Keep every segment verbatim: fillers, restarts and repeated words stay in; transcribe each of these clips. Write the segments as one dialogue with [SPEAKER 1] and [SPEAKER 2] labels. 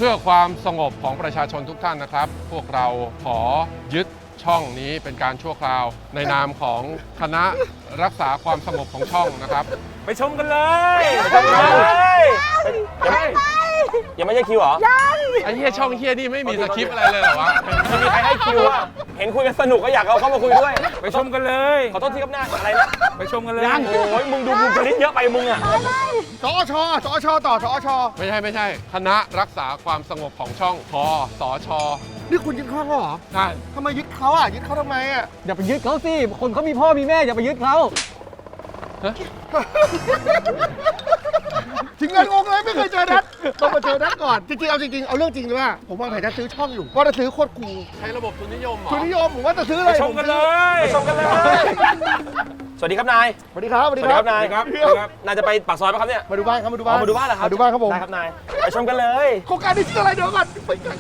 [SPEAKER 1] พื่อความสงบของประชาชนทุกท่านนะครับพวกเราขอยึดช่องนี้เป็นการชั่วคราวในนามของคณะรักษาความสงบของช่องนะครับ
[SPEAKER 2] ไปชมกันเลยไปชมกันเลยยังไม่ใช่คิวเหรอยัง
[SPEAKER 1] ไอ้เหี้ยช่องเหี้ยนี่ไม่มีสคริปต์อะไรเลยเหรอวะ
[SPEAKER 2] ไม่มีใครให้คิวอ่ะเห็นคุยกันสนุกก็อยากเอาเข้ามาคุยด้วยไปชมกันเลยขอโทษทีครับหน้าอะไรนะไปชมกันเลยยังโอ้ยมึงดูบุคลิกเยอะไปมึงอ่ะ
[SPEAKER 3] จอชจอชต่อจอช
[SPEAKER 1] ไม่ใช่ไม่ใช่คณะรักษาความสงบของช่องคสช
[SPEAKER 3] นี่คุณยึดเขาเหรอ
[SPEAKER 1] ใช่
[SPEAKER 3] ทำไมยึดเขาอ่ะยึดเขาทำไมอ่ะ
[SPEAKER 4] อย่าไปยึดเขาสิคนเขามีพ่อมีแม่อย่าไปยึดเขา
[SPEAKER 3] ถึงงานงงเลยไม่เคยเจอนัดต้องมาเจอนัดก่อนจริงๆเอาจริงๆเอาเรื่องจริงเลยว่าผมวางแผนจะซื้อช่องอยู่ว่าจะซื้อโคตรคูล
[SPEAKER 1] ใช้ระบบทุนนิยมเหรอ
[SPEAKER 3] ทุนนิยมผมว่าจะซื้ออะไร
[SPEAKER 2] ไปชมกันเลยไปชมกันเลยสวัสดีครับนาย
[SPEAKER 3] สวัสดีครับ
[SPEAKER 2] สวัสดีครับนายครับนายจะไปปากซอยป่ะครับเนี่ย
[SPEAKER 3] มาดูบ้านครับมาดูบ้าน
[SPEAKER 2] มาดูบ้านเหรอครับ
[SPEAKER 3] มาดูบ้านครับผม
[SPEAKER 2] ได้ครับนายไปชมกันเลย
[SPEAKER 3] โครงการนี้ชื่ออะไรเดี๋ยวก่อนไปกัน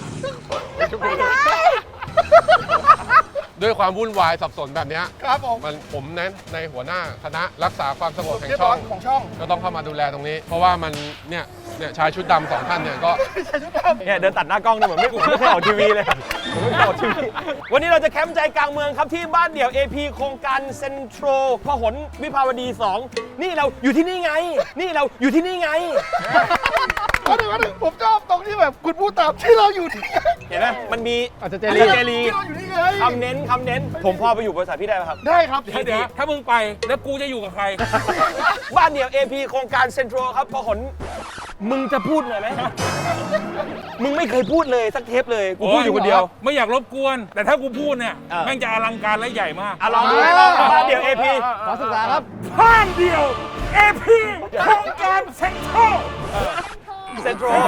[SPEAKER 1] ด้วยความวุ่นวายสับสนแบบนี้
[SPEAKER 3] ครับผม
[SPEAKER 1] มันผมเน้นในหัวหน้าคณะรักษาความสงบแห่งช่อง
[SPEAKER 3] ของช่อง
[SPEAKER 1] ก็ต้องเข้ามาดูแลตรงนี้ เพราะว่ามันเนี่ยเนี่ยชายชุดดำสองท่านเนี่ยก็
[SPEAKER 2] เนี่ยเดินตัดหน้ากล้องเนี่ยเหมือนไม่ไม่เคยออกทีวีเลยผมไม่เคยออกทีวีวันนี้เราจะแคมป์ใจกลางเมืองครับที่บ้านเดี่ยว เอ พี โครงการเซ็นทรัลพหลวิภาวดีสองนี่เราอยู่ที่นี่ไงนี่เราอยู่ที่นี่ไง
[SPEAKER 3] มาดูมาดูผมชอบตรงที่แบบคุณพูดตามที่เราอยู่ที่
[SPEAKER 2] เห็นไหมมันมี
[SPEAKER 4] อาจจะเจ
[SPEAKER 2] ลีเจลี
[SPEAKER 3] ที่เราอยู่นี่ไง
[SPEAKER 2] คำเน้นคำเน้นผมพอไปอยู่บริษัทพี่ได้ไหมครับ
[SPEAKER 3] ได้ครับ
[SPEAKER 2] เดี๋ยว
[SPEAKER 4] ถ้ามึงไปแล้วกูจะอยู่กับใคร
[SPEAKER 2] บ้านเดี่ยว เอ พี โครงการเซ็นทรัลครับพหลมึงจะพูดหน่อยไหมมึงไม่เคยพูดเลยสักเทปเลยกูพูดอยู่คนเดียว
[SPEAKER 4] ไม่อยากรบกวนแต่ถ้ากูพูดเนี่ยแม่งจะอลังการและใหญ่มาก
[SPEAKER 2] อ่ะลองดูบ้านเดี่ยว เอ พี
[SPEAKER 4] ขอศึกษาครับ
[SPEAKER 2] บ้านเดี่ยว เอ พี โครงการเซ็นทรัลเซ็นทรัล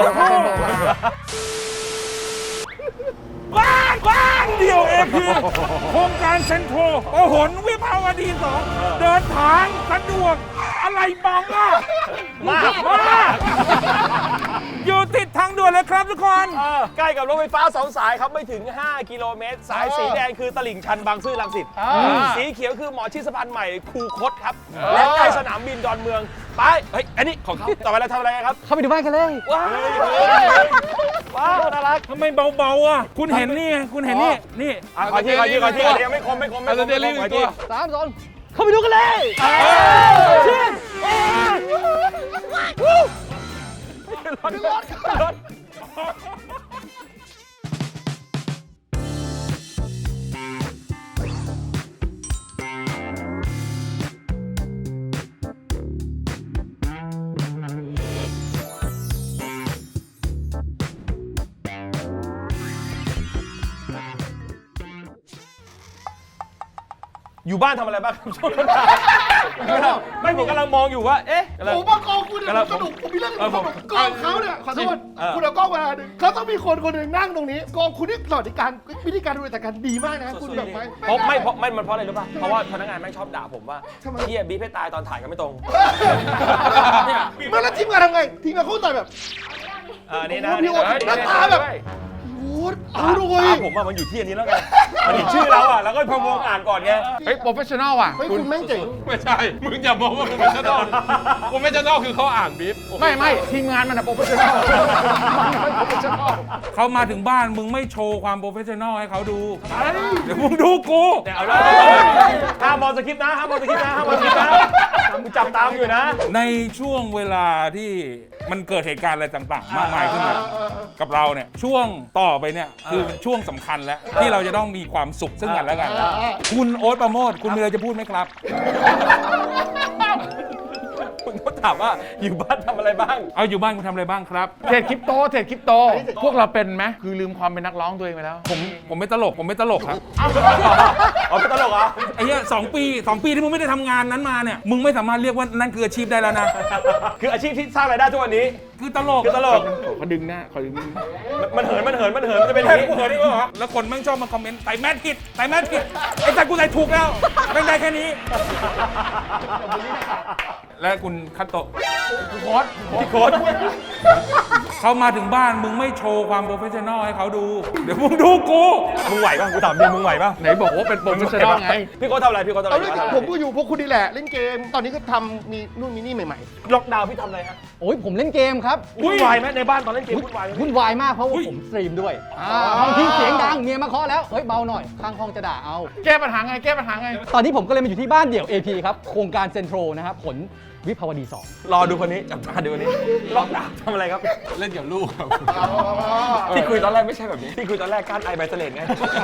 [SPEAKER 2] บ้านบ้านเดี่ยว เอ พี โครงการเซ็นทรัลพหลวิภาวดีสองเดินทางสะดวกอะไรบังอ่ะมากมากอยู่ติดทางด่วนเลยครับทุกคนใกล้กับรถไฟฟ้าสองสายครับไม่ถึงห้ากิโลเมตรสายสีแดงคือตลิ่งชันบางซื่อรังสิตสีเขียวคือหมอชิดสะพานใหม่คูคตครับและใกล้สนามบินดอนเมืองไปเฮ้ยอันนี้ของเขาต่อไปเราทำอะไรครับ
[SPEAKER 4] เข้าไปดูบ้านกันเลย
[SPEAKER 2] ว้าวว้าวน่ารัก
[SPEAKER 4] ทำไมเบาๆอ่ะคุณเห็นนี่คุณเห็นนี่นี่
[SPEAKER 2] ขอที่ขอที่ขอที่ยังไม่คมไม่คมไม่คมไม่คมขอที่
[SPEAKER 4] สามสองเข้าไปดูกันเลย
[SPEAKER 2] รถรถรถอยู่บ้านทำอะไรบ้างครับช่วงนั้นไม่ผมกำลังมองอยู่ว่าเอ๊ะ
[SPEAKER 3] ผมว่ากองคุณเนี่ยสนุกผมมีเรื่องสนุกกองเขาเนี่ยขอโทษคุณเอากล้องมาเขาต้องมีคนคนหนึ่งนั่งตรงนี้กองคุณนี่สวัสดิการวิธีการดูแลจัดการดีมากนะคุณแบบไหม
[SPEAKER 2] เพราะไม่เพราะไม่มันเพราะอะไรรู้ป่ะเพราะว่าพนักงานแม่งชอบด่าผมว่าเฮียบีบให้ตายตอนถ่ายกันไม่ตรง
[SPEAKER 3] เมื่อแล้วทีมงานทำไงทีมงานเขาต่อยแบบ
[SPEAKER 2] เออนี่นะ
[SPEAKER 3] พี่โอ๊ตหน้าตาแบบเอาด้วย
[SPEAKER 2] ผมว่ามันอยู่ที่อันนี้แล้วไงมันเห็นชื่อเราอ่ะแล้วก็พอมองอ่านก่อนไง
[SPEAKER 1] เฮ้ยโปรเฟชชั่นอลอ่ะ
[SPEAKER 3] คุณแม่งเจ๋ง
[SPEAKER 1] ไม่ใช่มึงอย่ามองว่าโปรเฟชชั่นอลโปรเฟชชั่นอลคือเขาอ่านบีฟ
[SPEAKER 4] ไม่ไม่ทีมงานมันอะโปรเฟชชั่นอลเขามาถึงบ้านมึงไม่โชว์ความโปรเฟชชั่นอลให้เขาดูเดี๋ยวมึงดูกู
[SPEAKER 2] เอาเลยห้ามมองสคริปต์นะห้ามมองสคริปต์นะห้ามมองสคริปต์นะกูจับตามอยู่นะ
[SPEAKER 4] ในช่วงเวลาที่มันเกิดเหตุการณ์อะไรต่างๆมากมายขึ้นมากับเราเนี่ยช่วงต่อไปเนี่ยคือช่วงสำคัญแล้วที่เราจะต้องมีความสุขซึ่งกันและกันคุณโอ๊ตประโมทคุณมีอะไรจะพูดไหมครับ
[SPEAKER 2] คุณก็ถามว่าอยู่บ้านทำอะไรบ้าง
[SPEAKER 4] เอาอยู่บ้านคุณทำอะไรบ้างครับ
[SPEAKER 5] เทรดคริปโตเทรดคริปโตพวกเราเป็นไหมคือลืมความเป็นนักร้องตัวเองไปแล้ว
[SPEAKER 4] ผมผมไม่ตลกผมไม่ตลกครับ
[SPEAKER 2] อ๋อไม่ตลกเหรอ
[SPEAKER 4] ไอ้เหี้ยสองปีสองปีที่มึงไม่ได้ทำงานนั้นมาเนี่ยมึงไม่สามารถเรียกว่านั่นคืออาชีพได้แล้วนะ
[SPEAKER 2] คืออาชีพที่สร้างรายได้ทุกวันนี้
[SPEAKER 4] คือตลก
[SPEAKER 2] คือตลก
[SPEAKER 5] เขาดึงหน้าเขาดึง
[SPEAKER 2] มันเหินมันเหินมันเหินมันจะเป็นอย่างนี้
[SPEAKER 4] เหินนี่เหรอแล้วคนแม่งชอบมาคอมเมนต์ใส่แมสผิดใส่แมสผิดไอ้แต่กูใส่ถูกแล้วแม่งได้แค่นี้และคุณคัตโตะ
[SPEAKER 5] โค้ด
[SPEAKER 4] พี่โค้ดเขามาถึงบ้านมึงไม่โชว์ความโปรเฟชชั่นอลให้เขาดู เดี๋ยวมึงดูกู
[SPEAKER 6] มึงไหวป่ะกูถามจริงมึงไหวป่ะ
[SPEAKER 5] ไหนบอกว่าเป็นโปรเฟชชั่นอลไง
[SPEAKER 6] พี่โค้ชทำอะไรพี่โค้ชทำอะไร
[SPEAKER 3] เอาเรื่องผมก็อยู่พวกคุณนี่แหละเล่นเกม ตอนนี้ก็ทำมีนู่นมีนี่ใหม่
[SPEAKER 6] ล็อกดาวน์พี่ทำอะไรฮะ
[SPEAKER 7] โอ้ยผมเล่นเกมครับ
[SPEAKER 6] วุ่นวายไหมในบ้านตอนเล่นเกมวุ่นวายไหม
[SPEAKER 7] วุ่นวายมากเพราะว่าผมสตรีมด้วยอ่าบางทีเสียงดังเมียมาเคาะแล้ว เฮ้ยเบาหน่อย ข้างห้องจะด่าเอา
[SPEAKER 5] แก้ปัญหาไง แก้ปัญหาไง
[SPEAKER 7] ตอนนี้ผมก็เลยมาอยู่ที่บ้านเดี่ยว เอ พี ครับ โครงการเซ็นทรัลนะครับ ผลวิภาวดีสอง
[SPEAKER 6] รอดูคนนี้จับตาดูคนนี้ล็อกดาวน์ทำอะไรครับ
[SPEAKER 1] เล่นกับลูกครับ
[SPEAKER 6] ที่คุยตอนแรกไม่ใช่แบบนี้ที่คุยตอนแรกการไอไบเซเลนไง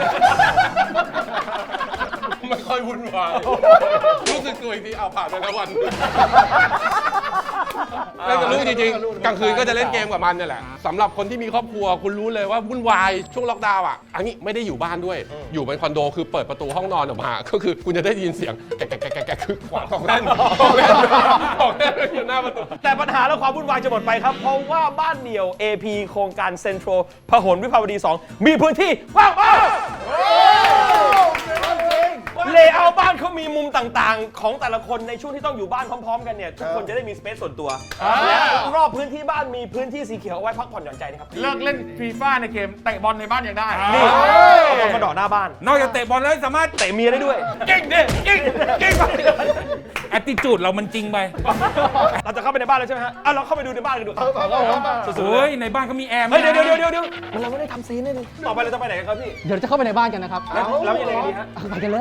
[SPEAKER 1] ไม่ค่อยวุ่นวายรู้สึกตัวอีกทีเอาผ่านไปแล้ววันเล่นกับลูกจริงๆกลางคืนก็จะเล่นเกมกับมันนี่แหละสำหรับคนที่มีครอบครัวคุณรู้เลยว่าวุ่นวายช่วงล็อกดาวน์อ่ะอันนี้ไม่ได้อยู่บ้านด้วย อยู่เป็นคอนโดคือเปิดประตูห้องนอนออกมาก็คือคุณจะได้ยินเสียงแกะแกะแกะแกะคือขวางของเล่นของเล่นของเล่นอยู่หน้าประตู
[SPEAKER 6] แต่ปัญหาและความวุ่นวายจะหมดไปครับ เพราะว่าบ้านเดี่ยว เอ พี โครงการเซ็นทรัลพหลวิภาวดีสองมีพื้นที่ว่างมากเลเยอร์บ้านเขามีมุมต่างๆ ของแต่ละคนในช่วงที่ต้องอยู่บ้านพร้อมๆกันเนี่ยทุกคนจะได้มีสเปซส่วนตัวและรอบพื้นที่บ้านมีพื้นที่สีเขียวเอาไว้พักผ่อนหย่อนใจนะครับ
[SPEAKER 5] เลิกเล่นฟีฟ่าในเกมเตะบอลในบ้านยังได้
[SPEAKER 6] นี่เอาบอลมาดอกหน้าบ้าน
[SPEAKER 4] นอกจากเตะบอลแล้วสามารถ
[SPEAKER 6] เตะเมียได้ด้วย
[SPEAKER 4] เก่งดิเก่งเก่งแอตติจูดเรามันจริงไป
[SPEAKER 6] เราจะเข้าไปในบ้านแล้วใช่ไหมฮะอ่ะเราเข้าไปดูในบ้านกันดูสุดๆเล
[SPEAKER 4] เฮ้
[SPEAKER 6] ย
[SPEAKER 4] ย ในบ้านเขามีแอร์ไหม
[SPEAKER 6] เฮ้ยเดี๋ยวเดี๋ยวเดี๋ยวเดี๋ยวมันเราไม่ได้ทำซีนเลยต่อไปเราจะไปไหนกันครับพี่
[SPEAKER 7] เดี๋ยวจะเข้าไปในบ้านกันนะครับ
[SPEAKER 6] แล้วแล้วยังไงกันดีฮะ
[SPEAKER 7] เอาไปกันเลย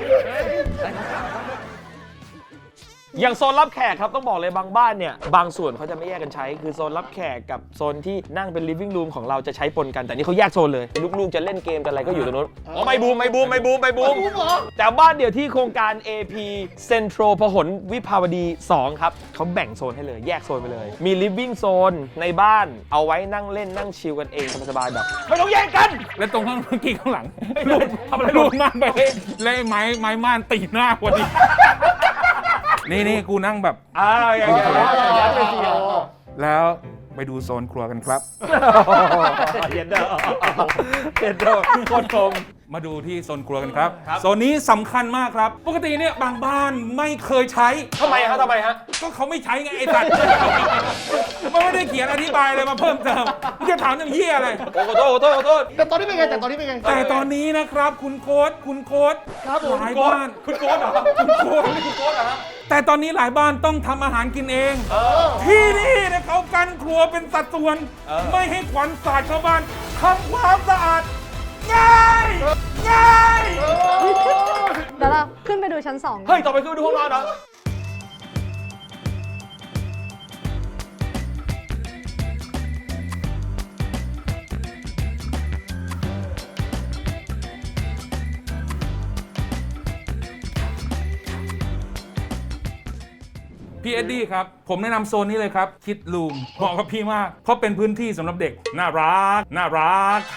[SPEAKER 6] อย่างโซนรับแขกครับต้องบอกเลยบางบ้านเนี่ยบางส่วนเขาจะไม่แยกกันใช้คือโซนรับแขกกับโซนที่นั่งเป็น living room ของเราจะใช้ปนกันแต่นี่เขาแยกโซนเลยลูกๆจะเล่นเกมกันอะไรก็อยู่ตรงนู้นอ๋อไม่บูมไม่บูมไม่บูมไม่บูมแต่บ้านเดี่ยวที่โครงการ เอ พี Central พหลวิภาวดีสองครับเขาแบ่งโซนให้เลยแยกโซนไปเลยมี living zone ในบ้านเอาไว้นั่งเล่นนั่งชิลกันเองสบายๆแบบไม่ต้องแย่งกัน
[SPEAKER 4] แล้วตรงข้างเมื่อกี้ข้างหลังลูดทำอะไรลูดม่านไปเลยแล้วไอ้ไม้ไม้ม่านตีหน้าพอดี นี่นี่กูนั่งแบบ
[SPEAKER 6] อ่าอย่างเงี้ย
[SPEAKER 4] แล้วไปดูโซนครัวกันครับ
[SPEAKER 6] เย็นเด้อเย็นเด้อโคตรคม
[SPEAKER 4] มาดูที่โซนครัวกันครับ โซนนี้สำคัญมากครับ ปกติเนี่ยบางบ้านไม่เคยใช้
[SPEAKER 6] ทำไมฮะทำไมฮะ
[SPEAKER 4] ก็เขาไม่ใช้ไงไอ้สัตว์ มันไม่ได้เขียนอธิบายอะไรมาเพิ่มเติมมึงจะถามอย่างเหี้ยอะไร
[SPEAKER 6] โอ้โหโทษโทษโทษ
[SPEAKER 3] ๆ แต่ตอนนี้เป็นไงแต่ตอนนี้เป็นไง
[SPEAKER 4] แต่ตอนนี้นะครับคุณโค้ดคุณโค้ด
[SPEAKER 3] ครับผม
[SPEAKER 4] หลายบ้าน
[SPEAKER 6] คุณโค้ดเหรอ
[SPEAKER 4] คุณโค้ด
[SPEAKER 6] คุณโค้ดเหรอฮะ
[SPEAKER 4] แต่ตอนนี้หลายบ้านต้องทำอาหารกินเอง ที่นี่นะเขากันครัวเป็นสัดส่วน ไม่ให้ควันสาดชาวบ้านทำความสะอาด ง่ายง่าย
[SPEAKER 8] เดี๋ยวเราขึ้นไปดูชั้นสองกัน
[SPEAKER 6] เฮ้ย ต่อไปคือดูห้องนอนเหรอ
[SPEAKER 4] พี่เอ็ดดี้ครับ ผมแนะนำโซนนี้เลยครับคิดลูมเหมาะกับพี่มาก เพราะเป็นพื้นที่สำหรับเด็ก น่ารัก น่ารัก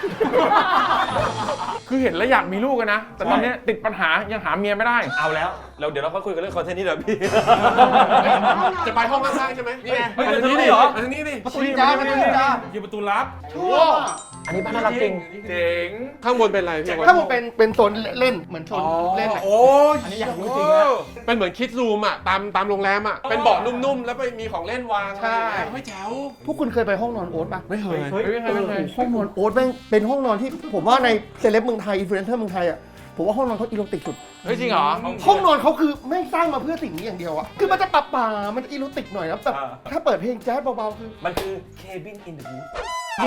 [SPEAKER 5] คือเห็นแล้วอยากมีลูกกันนะ แต่ตอนนี้ติดปัญหายังหาเมียไม่ได้
[SPEAKER 6] เอาแล้ว เราเดี๋ยวเราค่อยคุยกันเรื่องคอนเทนต์นี้เดี๋ยวพี่
[SPEAKER 1] จะไปห้องข้างๆใช่ไหมนี่ไง
[SPEAKER 6] เฮ้ยเดี๋ยวนี้เหรอ
[SPEAKER 1] อันนี้นี่
[SPEAKER 7] คุยจ้าไม่คุยจ้า
[SPEAKER 4] อยู่ประตูลับ
[SPEAKER 6] อันนี้บ้านน่ารักจริง
[SPEAKER 5] เจ๋ง
[SPEAKER 1] ข้างบนเป็นอะไรพี่
[SPEAKER 3] ถ้าผมเป็นเป็นโซนเล่นเหมือนโซนเล่นอะ
[SPEAKER 1] โอ้ยอันนี้อยากรู้จริงนะเป็นเหมือนคิดรูมอ่ะตามตามโรงแรมอ่ะเป็นเบาะนุ่มๆแล้วไปมีของเล่นวาง
[SPEAKER 3] ใช่
[SPEAKER 1] ไม่แจ๋ว
[SPEAKER 3] พวกคุณเคยไปห้องนอนโอ๊ตปะ
[SPEAKER 1] ไม่เคย
[SPEAKER 5] เฮ้ยไม่เคยไม่เคย
[SPEAKER 3] ห้องนอนโอ๊ตแม่งเป็นห้องนอนที่ผมว่าในเซเลบเมืองไทยอินฟลูเอนเซอร์เมืองไทยอ่ะผมว่าห้องนอนเขาอีโรติกสุด
[SPEAKER 5] เฮ้ยจริงเหรอ
[SPEAKER 3] ห้องนอนเขาคือไม่สร้างมาเพื่อสิ่งนี้อย่างเดียวอะคือมันจะปรับป่ามันจะอีโรติกหน่อยนะแบบ
[SPEAKER 6] อ่า
[SPEAKER 3] ถ้าเปิดเพลงแจ๊สเบาๆคือ
[SPEAKER 6] มันคือ Cabin in the Woods
[SPEAKER 3] อยู่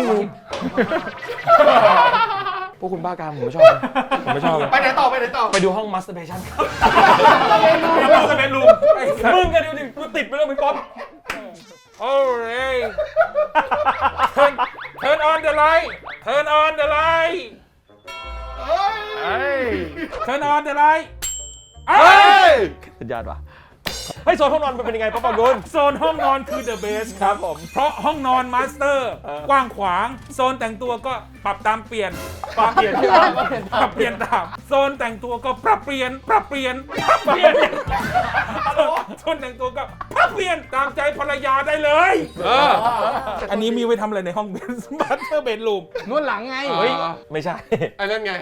[SPEAKER 6] พวกคุณบ้าการผมไม่ชอบ ผมไม่ชอบเลย
[SPEAKER 3] ไปไหนต่อไปไหนต่อ
[SPEAKER 6] ไปดูห้อง masturbation ครับ
[SPEAKER 4] แล้วมันจะเป็นรูม
[SPEAKER 6] มึงกันดูดิกูติดไปแล้วมึงก๊อฟ
[SPEAKER 4] โอ้ย turn turn on the light turn on the light
[SPEAKER 5] เฮ้ย
[SPEAKER 4] turn on the light เอ้
[SPEAKER 1] เฮ้
[SPEAKER 4] ย
[SPEAKER 1] ย
[SPEAKER 6] สุดยอดว่ะให้โซนห้องนอนมันเป็นยังไงป้าปองกุล
[SPEAKER 4] โซนห้องนอนคือ the best ครับผม เพราะห้องนอนมาสเตอร์กว้างขวาง โซนแต่งตัวก็ปรับตามเปลี่ยน ปรับเปลี่ยนปรับเปลี่ยนตาม โซนแต่งตัวก็ปรับเปลี่ยน ปรับเปลี่ยน ปรับเปลี่ยน โซนแต่งตัวก็ปรับเปลี่ยนตามใจภรรยาได้เลย
[SPEAKER 1] เออ
[SPEAKER 4] อันนี้มีไว้ทำอะไรในห้องเบสมาสเตอร์เบดรูม
[SPEAKER 7] นวดหลังไง
[SPEAKER 1] เฮ้ย
[SPEAKER 6] ไม่ใช่
[SPEAKER 1] อันนั้นไง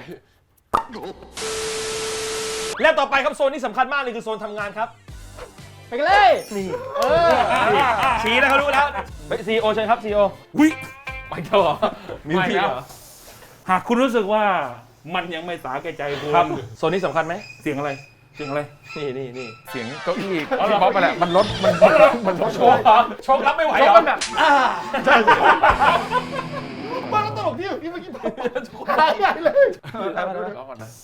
[SPEAKER 6] และต่อไปครับโซนที่สำคัญมากเลยคือโซนทำงานครับ
[SPEAKER 7] ไปกันเลย
[SPEAKER 6] นี่
[SPEAKER 7] เออ
[SPEAKER 6] ชี้แล้วเขารู้แล้วซีโอเชิญครับซีโอ
[SPEAKER 4] วิ
[SPEAKER 6] ไปเถอะ
[SPEAKER 4] มีพี่เหรอหากคุณรู้สึกว่ามันยังไม่สาแก่ใจคุณ
[SPEAKER 6] ครับโซนนี้สำคัญไหม
[SPEAKER 4] เสียงอะไรเสียงอะไร
[SPEAKER 6] นี่นี่นี่
[SPEAKER 5] เสียงเก้าอี้ที่บ๊อบไปแหละมันลดมันมันลด
[SPEAKER 6] โชว์โชว์รับไม่ไหวเหรอ
[SPEAKER 3] ใช่บ้านแล้วตลกที่ที่เมื่อกี้หายใหญ่เลย
[SPEAKER 5] รอก่อนนะ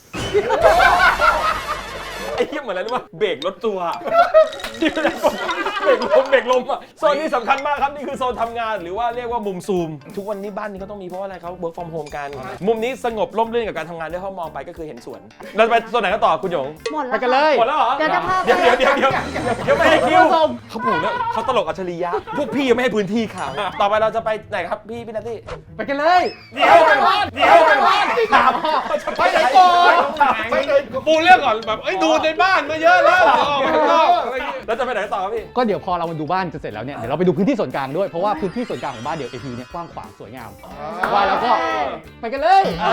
[SPEAKER 6] ไอ้เหี้ยเหมือนอะไรรู้ป่ะเบรกรถตัวที่เวลากดเบรกลมเบรกลมอ่ะโซนนี้สำคัญมากครับนี่คือโซนทำงานหรือว่าเรียกว่ามุมซูม ทุกวันนี้บ้านนี้เขาต้องมีเพราะว่าอะไรเขา work from home กันมุมนี้สงบร่มรื่นกับการทำงานด้วยเพราะมองไปก็คือเห็นสวนเราจะไปโซนไหนกันต่อคุณหยง
[SPEAKER 8] หมด
[SPEAKER 7] ไป
[SPEAKER 8] แล้ว
[SPEAKER 7] กันเลย
[SPEAKER 6] หมดแล้วเหรอ
[SPEAKER 8] เดี๋ยวจะพาไป
[SPEAKER 6] เดี๋ยวเดี๋ยวเดี๋ยวเดี๋ยวเดี๋ยวไม่ให้คิวเขาผูกแล้วเขาตลกอัจฉริยะพวกพี่ยังไม่ให้พื้นที่เขาต่อไปเราจะไปไหนครับพี่พี่นัตตี้
[SPEAKER 7] ไปกันเลย
[SPEAKER 6] เดี๋ยวเดี๋ยวถามไปไหนก่อนไปไหน
[SPEAKER 1] ปูเรื่องก่อนแบบเอ้ยดูในบ้านมาเยอะแล้วเดี๋ยวออกไปข้างนอกอะไรอย่างงี้
[SPEAKER 6] แล้วจะไปไหนต่อครับพี่
[SPEAKER 7] ก็เดี๋ยวพอเรามาดูบ้านจะเสร็จแล้วเนี่ยเดี๋ยวเราไปดูพื้นที่ส่วนกลางด้วยเพราะว่าพื้นที่ส่วนกลางของบ้านเดี่ยว เอ พี เนี่ยกว้างขวางสวยงามว่าแล้วก็ไปกันเลย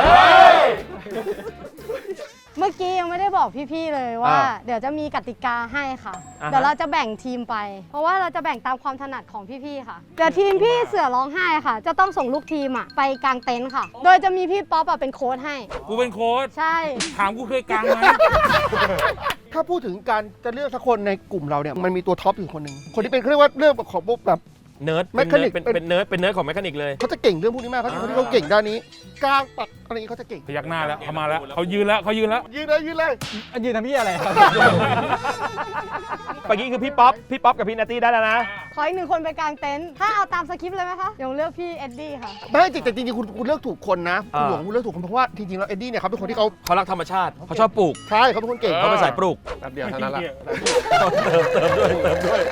[SPEAKER 8] เมื่อกี้ยังไม่ได้บอกพี่ๆเลยว่า เดี๋ยวจะมีกติกาให้ค่ะ
[SPEAKER 6] อ่าฮะ
[SPEAKER 8] เดี๋ยวเราจะแบ่งทีมไป เพราะว่าเราจะแบ่งตามความถนัดของพี่ๆค่ะเดี๋ยวทีมพี่เสือร้องไห้ค่ะ จะต้องส่งลูกทีมอ่ะไปกางเต็นท์ค่ะ โดยจะมีพี่ป๊อปอ่ะเป็นโค้ชให้
[SPEAKER 4] กูเป็นโค้ช
[SPEAKER 8] ใช่
[SPEAKER 4] ถามกูเคยกลางไหม
[SPEAKER 3] ถ้าพูดถึงการจะเลือกสักคนในกลุ่มเราเนี่ยมันมีตัวท็อปอยู่คนหนึ่งคนที่เป็นเขาเรียกว่าเรื่องของพวกแบบ
[SPEAKER 6] เนิร์ด
[SPEAKER 3] แมคคานิก
[SPEAKER 6] เป็น
[SPEAKER 3] เป็น
[SPEAKER 6] เป็นเนิร์ดเป็นเนิร์ดของแมคคานิกเลย
[SPEAKER 3] เขาจะเก่งเรื่องพวกนี้มากเขาเป็นคนที่เขาเก่งด้านนี้กลางปักอะไรอย่างนี้เขาจะเก่ง
[SPEAKER 4] พยักหน้าแล้วเขามาแล้วเขายืนแล้วเขายืนแล้ว
[SPEAKER 3] ยืนเลยยืนเลย
[SPEAKER 7] ยืนทำพี่อะไรครับ
[SPEAKER 6] เมื่อกี้คือพี่ป๊อปพี่ป๊อปกับพี่นัตตี้ได้แล้วนะ
[SPEAKER 8] ขออีกหนึ่งคนไปกางเต็นท์ถ้าเอาตามสคริปต์เลยไหมคะเดี๋ยวเลือกพี่เอ็ดดี้ค่ะ
[SPEAKER 3] ไม่จริงแต่จริงๆคุณคุณเลือกถูกคนนะคุณ
[SPEAKER 6] อ่า
[SPEAKER 3] หลวงคุณเลือกถูกคนเพราะว่าจริงๆแล้วเอ็ดดี้เนี่ยเขาเป็นคนที่เขา
[SPEAKER 6] เขารักธรรมชาติเขาชอบปลูก
[SPEAKER 3] ใช่เขาเป็นคนเก่ง
[SPEAKER 6] เขาเป็นสายปลูก
[SPEAKER 1] แป๊บเดียวเท่านั้นแหละ
[SPEAKER 6] เติมเติมด้วยเติมด้วย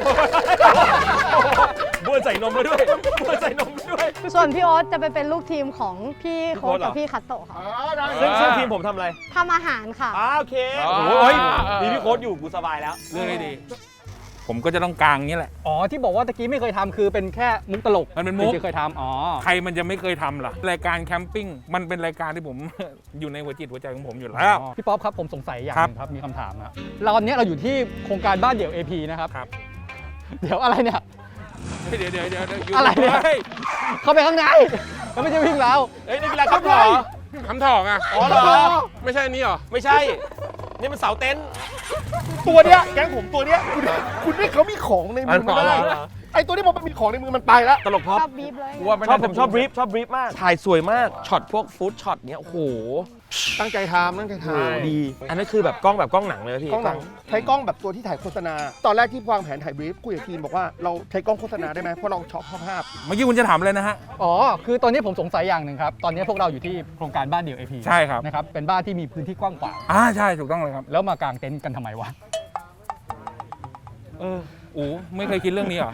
[SPEAKER 6] บ้วนใส่นมมาด้วยบ้วนใส่นมมาด้วย
[SPEAKER 8] ส่วนพี่โอ๊ตจะไปเป็นลูกทีมของพี่โค้ช
[SPEAKER 6] พี่โค้ชเหรอ
[SPEAKER 8] กับพี่คัตโตะค่ะ
[SPEAKER 3] อ่าได้
[SPEAKER 6] ซึ่งซึ่งทีมผมทำอะไร
[SPEAKER 8] ทำอาหารค่ะ
[SPEAKER 6] อ่าโอเค
[SPEAKER 1] อ๋อ
[SPEAKER 6] โอ้โหเฮ้ยมีพี่โค้ชอยู่กูสบายแล้ว
[SPEAKER 4] เรื่องได้ดี ผมก็จะต้องกลางอย่างนี้แหละ
[SPEAKER 7] อ๋อที่บอกว่าตะกี้ไม่เคยทำคือเป็นแค่มุกตลก
[SPEAKER 4] มันเป็นมุก
[SPEAKER 7] ที่เคยทำอ๋อ
[SPEAKER 4] ใครมันจะไม่เคยทำล่ะ รายการแคมปิ้งมันเป็นรายการที่ผม อยู่ในหัวจิตหัวใจของผมอยู่แล้ว
[SPEAKER 7] อ๋อพี่ป๊อปครับผมสงสัยอย่าง
[SPEAKER 4] ค
[SPEAKER 7] ห
[SPEAKER 4] รับ
[SPEAKER 7] นึงครับมีคำถามครับเราตอนนี้เราอยู่ที่โครงการบ้านเดี่ยว เอ พี นะครับ
[SPEAKER 4] ครับ
[SPEAKER 7] เดี๋ยวอะไรเนี่ย
[SPEAKER 4] เดี๋ยวเดี๋ยวเดี๋ยวเดี๋ยวยู่
[SPEAKER 7] อะไรเนี่ย
[SPEAKER 4] ฮ้
[SPEAKER 7] เข้าไปข้างในแล้วไม่ใช่วิ่งแล้ว
[SPEAKER 6] เอ้ยนี่กีฬาขับเหรอ
[SPEAKER 1] คำถอกอ่ะ
[SPEAKER 6] อ๋อเหรอ
[SPEAKER 1] ไม่ใช่อันนี้เหรอ
[SPEAKER 6] ไม่ใช่ นี่มันเสาเต็นท์
[SPEAKER 3] ตัวเนี้ยแก๊งผมตัวเนี้ยคุณคุณนี่เขามีของในมือมันได้
[SPEAKER 6] เหรอ
[SPEAKER 3] ไอ้ตัวนี้พอมันมีของในมือมันไปแล้ว
[SPEAKER 6] ตลกพ็อป
[SPEAKER 8] ชอบบีบเลย
[SPEAKER 5] กูว่าไม่
[SPEAKER 6] ชอบ
[SPEAKER 5] น่า
[SPEAKER 6] ผมชอบบรีฟชอบบรีฟมาก ถ่ายสวยมาก ช็อตพวกฟู้ดช็อตเนี้ย โอ้โห
[SPEAKER 3] ตั้งใจทำตั้งใจท
[SPEAKER 6] ดี อันนั้นคือแบบกล้องแบบกล้องหนังเลยพี่
[SPEAKER 3] ำกล้องหนังใช้กล้องแบบตัวที่ถ่ายโฆษณา ตอนแรกที่วางแผนถ่ายบรีฟคุยกับทีมบอกว่าเราใช้กล้องโฆษณาได้ไหมเพราะเราชอบภาพ
[SPEAKER 4] เมื่อกี้คุณจะถามอะไรนะฮะ
[SPEAKER 7] อ๋อ คือตอนนี้ผมสงสัยอย่างหนึ่งครับ ตอนนี้พวกเราอยู่ที่โครงการบ้านเดี่ยว เอ พี
[SPEAKER 4] ใช่ครับ
[SPEAKER 7] นะครับ เป็นบ้านที่มีพื้นที่กว้างขวาง
[SPEAKER 4] อ่าใช่ถูกต้องเลยครับ
[SPEAKER 7] แล้วมากางเต็นท์กันทำไมวะ
[SPEAKER 4] เอออูไม่เคยคิดเรื่องนี้เหรอ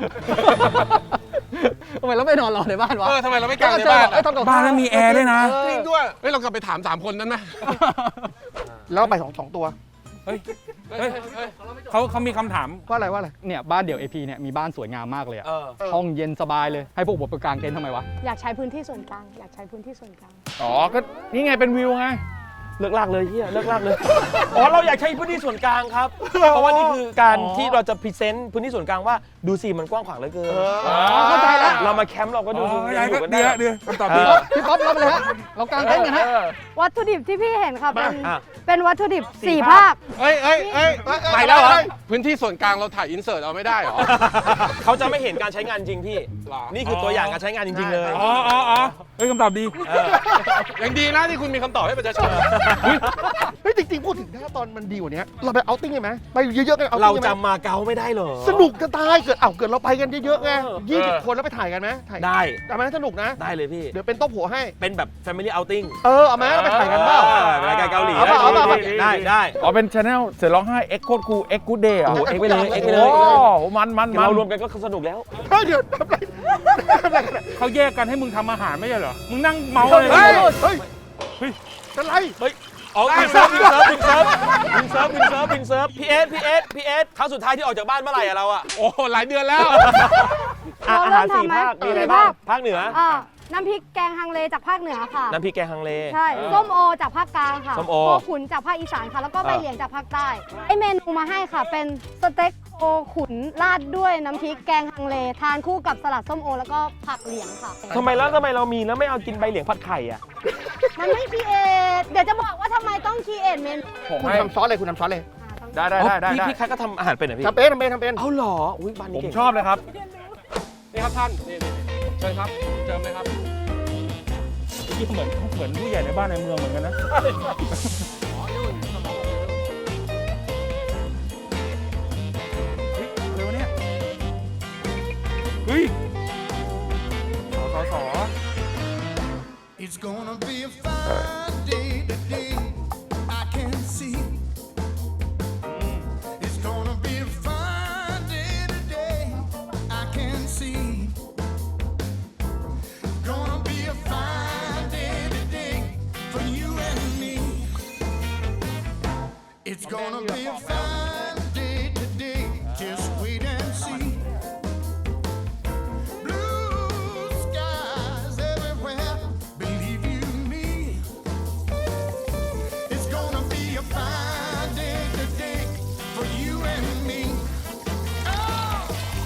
[SPEAKER 7] ทำไมเราไม่นอนรอในบ้านวะ
[SPEAKER 1] เออทำไมเราไม่กางในบ้าน
[SPEAKER 7] เออ
[SPEAKER 1] อะ
[SPEAKER 7] ทำกับ
[SPEAKER 4] บ้านนั้นมีแอร์ด้วยนะ
[SPEAKER 1] จริงด้วยเฮ้ยเรากลับไปถามสามคนนั้นไหม
[SPEAKER 3] ๆแล้วไปสองสองตัว
[SPEAKER 4] เฮ้ย
[SPEAKER 1] เฮ้ยเฮ้ย
[SPEAKER 4] เขาเขามีคำถาม
[SPEAKER 3] ว่าอะไรว่าอะไร
[SPEAKER 7] เนี่ยบ้านเดี่ยว เอ พี เนี่ยมีบ้านสวยงามมากเลยอะ
[SPEAKER 6] เออ
[SPEAKER 7] ห้องเย็นสบายเลย ให้พวกผมไปกางเต็นท์ทำไมวะ
[SPEAKER 8] อยากใช้พื้นที่ส่วนกลาง อยากใช้พื้นที่ส่วนกลาง
[SPEAKER 5] อ๋อ ก็นี่ไงเป็นวิวไง
[SPEAKER 6] เลิกลากเลยเฮียเลิกลากเลย อ๋อ เราอยากใช้พื้นที่ส่วนกลางครับ เพราะว่านี่คือการ
[SPEAKER 7] อ๋อ
[SPEAKER 6] ที่เราจะพรีเซนต์พื้นที่ส่วนกลางว่าดูสิมันกว้างขวางเหลือเกิน
[SPEAKER 7] อ๋อเข้าใจแล้ว
[SPEAKER 6] เรามาแคมป์เราก็ดู
[SPEAKER 4] อ๋อ
[SPEAKER 6] ดู
[SPEAKER 4] ได้
[SPEAKER 6] อยู่
[SPEAKER 4] ก็
[SPEAKER 6] กัน
[SPEAKER 4] เดี๋ยว
[SPEAKER 6] ได้
[SPEAKER 4] เดี๋ยวคำตอบ
[SPEAKER 6] เอ
[SPEAKER 4] ดี
[SPEAKER 6] อ
[SPEAKER 7] พี่ป๊อปรับไปเลยฮะ เรากางเต็นท์กันฮะ
[SPEAKER 6] เออ
[SPEAKER 8] วัตถุดิบที่พี่เห็นค่ะเป็น
[SPEAKER 6] อ่ะ
[SPEAKER 8] เป็นวัตถุดิบ
[SPEAKER 6] สี่
[SPEAKER 8] สี่
[SPEAKER 6] ภา
[SPEAKER 8] ภา
[SPEAKER 6] ค
[SPEAKER 8] ค
[SPEAKER 1] เฮ้ยเฮ้ยเฮ้ย
[SPEAKER 6] ไปแล้วเหรอ
[SPEAKER 1] พื้นที่ส่วนกลางเราถ่ายอินเสิร์ตเอาไม่ได้เหรอ
[SPEAKER 6] เขาจะไม่เห็นการใช้งานจริงพี่
[SPEAKER 1] หรอ
[SPEAKER 6] นี่คือตัวอย่างการใช้งานจริง ๆ เลย
[SPEAKER 4] อ๋ออ๋ออ๋อเฮ้ยคำตอบดี
[SPEAKER 6] เออ
[SPEAKER 1] ยังดีนะที่คุณมีคำตอบให้ประชาชน
[SPEAKER 3] เฮ้ยจริงๆพูดถึงถ้าตอนมันดีกว่านี้เราไปเอาติ้งกันไหมไปเยอะๆกันเอา
[SPEAKER 6] เรา
[SPEAKER 3] ติ้งกันไหม
[SPEAKER 6] จำมาเก๊าไม่ได้เหรอ
[SPEAKER 3] สนุกจะตายเกิดเอ้าเกิดเราไปกันเยอะๆไง
[SPEAKER 6] เออ
[SPEAKER 3] ยี่สิบคนแล้วไปถ่ายกันไหมถ่าย
[SPEAKER 6] ได้
[SPEAKER 3] แต่มันสนุกนะ
[SPEAKER 6] ได้เลยพี่
[SPEAKER 3] เดี๋ยวเป็นโต๊ะผัวให้
[SPEAKER 6] เป็นแบบ Family Outing
[SPEAKER 3] เออเอาไหมแล้วไปถ่ายกันเปล่า
[SPEAKER 6] ออรายการเกาหลี
[SPEAKER 3] เอาเปล่าเอาเปล่า
[SPEAKER 6] ได้ได้
[SPEAKER 5] อ๋อ เป็นชาแนลเสือร้องไห้เอ็กโคดคูเอ็กกูเดย์
[SPEAKER 6] โอ้โหเอ็กไปเลยเอ็กไปเลย
[SPEAKER 5] โอ้โหมันมันมัน
[SPEAKER 6] เรารวมกันก็สนุกแล้ว
[SPEAKER 3] เฮ้ยเดี๋ยวทำไรทำไรกันเนี่ย
[SPEAKER 4] เขาแยกกันให้มึงทำอาหารไม่ใช่เหรอ มึงนั่งเมาเลย
[SPEAKER 3] เฮ้ยเฮ้ยเฮ้ยเป็นไร
[SPEAKER 6] เฮ้ยอ๋อวินเซิร์ฟวินเซิร์ฟวินเซิร์ฟวินเซิร์ฟวินเซิร์ฟวินเซิร์ฟพีเอสพีเอสพีเอสครั้งสุดท้ายที่ออกจากบ้านเมื่อไหร่อะเราอะ
[SPEAKER 1] โอ้หลายเดือนแล้ว
[SPEAKER 6] อ่ะอาหารสี่ภาคมีอะไรบ้างภาคเหนือ
[SPEAKER 8] อ่าน้ำพริกแกงฮังเลจากภาคเหนือค่ะ
[SPEAKER 6] น้ำพริกแกงฮังเล
[SPEAKER 8] ใช่ส้มโอจากภาคกลางค่ะ
[SPEAKER 6] ส้มโอ
[SPEAKER 8] โคขุนจากภาคอีสานค่ะ แล้วก็ใบเหลียงจากภาคใต้ไอเมนูมาให้ค่ะ เป็นสเต็กโคขุนราดด้วยน้ำพริกแกงฮังเล ทานคู่กับสลัดส้มโอ แล้วก็ผักเหลียงค่ะ
[SPEAKER 6] ทำไมแล้วทำไมเรามีแล้วไม่เอากินใบเหลียงผัดไข่อะ
[SPEAKER 8] มันไม่คีเอทเดี๋ยวจะบอกว่าทำไมต้องคีเอทเมนู
[SPEAKER 3] คุณทำซอสเลยคุณทำซอสเลย
[SPEAKER 5] ได้ได้ได้ได้
[SPEAKER 6] พี่
[SPEAKER 5] ได้
[SPEAKER 6] พี่คัทก็ทำอาหารเป็นเหรอพี่
[SPEAKER 3] ทำเป็นทำเป็นทำเป็น
[SPEAKER 6] เอาเหรออุ้ยบ้าน
[SPEAKER 5] ผ
[SPEAKER 6] นี้
[SPEAKER 5] ม
[SPEAKER 6] เก่ง
[SPEAKER 5] ชอบเลยครับ
[SPEAKER 1] นี่ครับท่านนี่นี่นี่เชิญครับเจิมเลยครับ
[SPEAKER 2] ที่เหมือนเหมือนผู้ใหญ่ในบ้านในเมืองเหมือนกันนะเฮ้ยเร็วเนี่ยเฮ้ยสอสอสอ
[SPEAKER 9] It's gonna be a fine day today. I can see. It's gonna be a fine day today. I can see. Gonna be a fine day today for you and me. It's gonna be a fine day today. Just wait and see. Blue skies everywhere. Believe you me. It's gonna be a fine day today for you and me. Oh,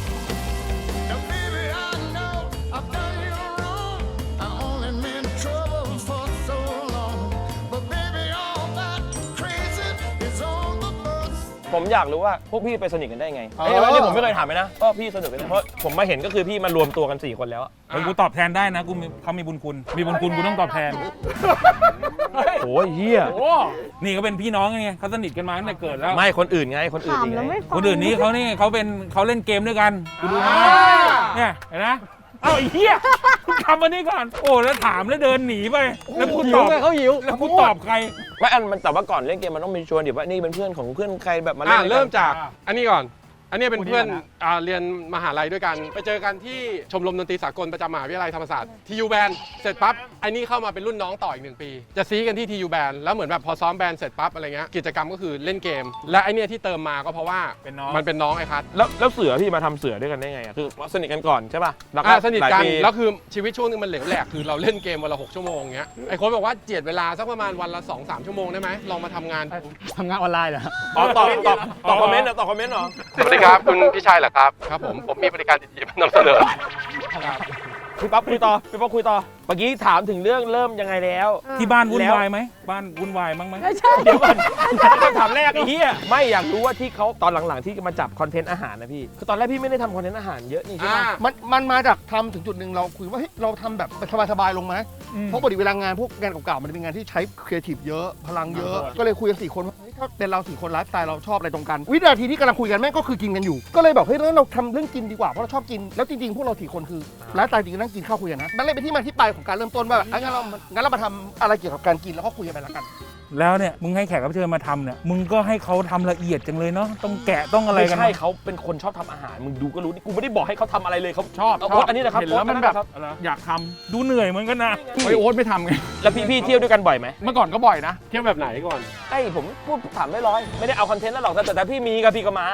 [SPEAKER 9] now baby, I know I've done you wrong. I only meant trouble for so long. But baby, all that crazy is on the bus.
[SPEAKER 6] ผมอยากรู้ว่าพวกพี่ไปสนิทกันได้ไงไอ้ยอันนี้ผมไม่เคยถามเลยนะว่าพี่สนิทกันได้เพราะผมมาเห็นก็คือพี่มารวมตัวกันสี่คนแล้วอะ
[SPEAKER 2] เฮ้ยกูตอบแทนได้นะกูมีเขามีบุญคุณ มีบุญคุณกูต้องตอบแทน
[SPEAKER 6] โอ้ยเฮีย
[SPEAKER 2] นี่ก็เป็นพี่น้องไงเขาสนิทกันมาตั้งแต่เกิดแล้ว
[SPEAKER 6] ไม่คนอื่นไงคนอื่น
[SPEAKER 8] ถาม
[SPEAKER 6] อีก
[SPEAKER 8] แล้ว
[SPEAKER 6] ไง
[SPEAKER 8] ไม่ฟัง
[SPEAKER 2] คนอื่นนี้เขานี่เขาเป็นเขาเล่นเกมด้วยกันกูดูนะเนี่ยเห็นไหมเอ้าไอ้เหี้ยคุณทำอันนี้ก่อนโอ้แล้วถามแล้วเดินหนีไปแล้วคุณ
[SPEAKER 7] หิ
[SPEAKER 2] ต
[SPEAKER 7] ว
[SPEAKER 2] อบ
[SPEAKER 7] ไงเขาหิว
[SPEAKER 2] แล้วคุณตอบใคร
[SPEAKER 6] ไม่อันมันแต่ว่าก่อนเล่นเกมมันต้องมีชวนเดี๋ยวว่านี่เป็นเพื่อนของเพื่อนใครแบบมาเล่
[SPEAKER 1] อ่าน
[SPEAKER 6] ด้วยกัน
[SPEAKER 1] เริ่มจากอันนี้ก่อน อันนี้เป็นเพื่อน
[SPEAKER 7] คนนี้ก่อนนะ
[SPEAKER 1] อ่าเรียนมหาลัยด้วยกัน ไปเจอกันที่ชมรมดนตรีสากลประจำมหาวิทยาลัยธรรมศาสตร์ทียูแบนเสร็จปั๊บไอ้นี่เข้ามาเป็นรุ่นน้องต่ออีกหนึ่งปี จะซีกันที่ทียูแบนแล้วเหมือนแบบพอซ้อมแบนเสร็จปั๊บอะไรเงี้ยกิจกรรมก็คือเล่นเกม และไอ้เนี่ยที่เติมมาก็เพราะว่า
[SPEAKER 2] เป็นน้อง
[SPEAKER 1] มันเป็นน้องไอ้คัท
[SPEAKER 6] แล้วแล้วเสือพี่มาทำเสือด้วยกันได้ไงอะคือสนิทกันก่อนใช่ป่ะแล้วก็
[SPEAKER 1] อ่าสนิทกัน
[SPEAKER 6] หลายปี
[SPEAKER 1] แล้วคือชีวิตช่วงนึงมันเหลวแหลกคือเราเล่นเกมวันละหกชั่วโมงเงี้ยไอ้โค้ชบอกว่าเจียดเวลาสักประมาณวันละสองสามชั่วโมงได้ไหมลองมาทำงาน
[SPEAKER 7] ทำงานออนไลน์เหรอ
[SPEAKER 6] อ๋อตอบตอบตอบคอมเมนต์เหรอตอบคอมเมนต์เหรอ
[SPEAKER 1] สวัสดีครับคุณพี่ชายเหรอครับครับผมผมมีบริการดีๆมานำเสนอ
[SPEAKER 6] พี่ป๊อปคุยต่อพี่ป๊อปคุยต่อเมื่อกี้ถามถึงเรื่องเริ่มยังไงแล้ว
[SPEAKER 2] ที่บ้านวุ่น
[SPEAKER 6] แล้ว
[SPEAKER 2] วายไหมบ้านวุ่นวายมั้งไหม
[SPEAKER 8] ไม่ใช่
[SPEAKER 6] เดี๋ยวก่อนคำถามแรกไอ้เหี้ยไม่อยากรู้ว่าที่เขาตอนหลังๆที่มาจับคอนเทนต์อาหารนะพี่คือตอนแรกพี่ไม่ได้ทำคอนเทนต์อาหารเยอะนี่ใช่ไหม
[SPEAKER 1] อ่า
[SPEAKER 3] มันมันมาจากทำถึงจุดหนึ่งเราคุยว่าเฮ้ยเราทำแบบสบายๆลงไหมเพราะปกติเวลางานพวกงานเก่าๆมันเป็นงานที่ใช้ครีเอทีฟเยอะพลังเยอะ ก็เลยคุยกันสี่คนว่าเฮ้ยถ้าเป็นเราสี่คนไลฟ์สไตล์เราชอบอะไรตรงกัน วินาทีที่กำลังคุยกันแม่งก็คือกินกันอยู่ ก็เลยบอกเฮ้ยแล้วเราทำเรื่องกินดีกว่าเพราะเราชอบกินแล้วจริงๆพวกเราสี่คนคือไลฟ์สไตล์จริงๆนั่งกินข้าวคุยกันนะมันเลยเป็นที่มาที่ไปของการเริ่มต้นว่าแบบงั้นเรางั้นเรามาทำอะไรเกี่ยวกับการกินแล้วก็คุยกันไปละกัน
[SPEAKER 2] แล้วเนี่ยมึงให้แขกรับเชิญมาทำเนี่ยมึงก็ให้เขาทำละเอียดจังเลยเนาะต้องแกะต้องอะไร
[SPEAKER 6] ไม่
[SPEAKER 2] กัน
[SPEAKER 6] ใช่
[SPEAKER 2] นะ
[SPEAKER 6] เขาเป็นคนชอบทำอาหารมึงดูก็รู้นี่กูไม่ได้บอกให้เขาทำอะไรเลยเขา
[SPEAKER 5] ชอบ
[SPEAKER 6] เอา
[SPEAKER 5] ช
[SPEAKER 6] โอ๊
[SPEAKER 5] อบ
[SPEAKER 6] ตอันนี้นะครับ
[SPEAKER 5] เห็นแล้วมันแบบ
[SPEAKER 6] โอ๊ต
[SPEAKER 5] อยากทำ
[SPEAKER 2] ดูเหนื่อยเหมือนกันนะ
[SPEAKER 5] เฮ้ยโอ๊ตไม่ทำไง
[SPEAKER 6] แล้วพี่พี่เที่ยวด้วยกันบ่อยไหม
[SPEAKER 5] เมื่อก่อนก็บ่อยนะ
[SPEAKER 1] เที่ยวแบบไหนก่อน
[SPEAKER 6] ไอ้ผมพูดถามไม่ร้อยไม่ได้เอาคอนเทนต์แล้วหรอกแต่แต่พี่มีกับพี่ก็มา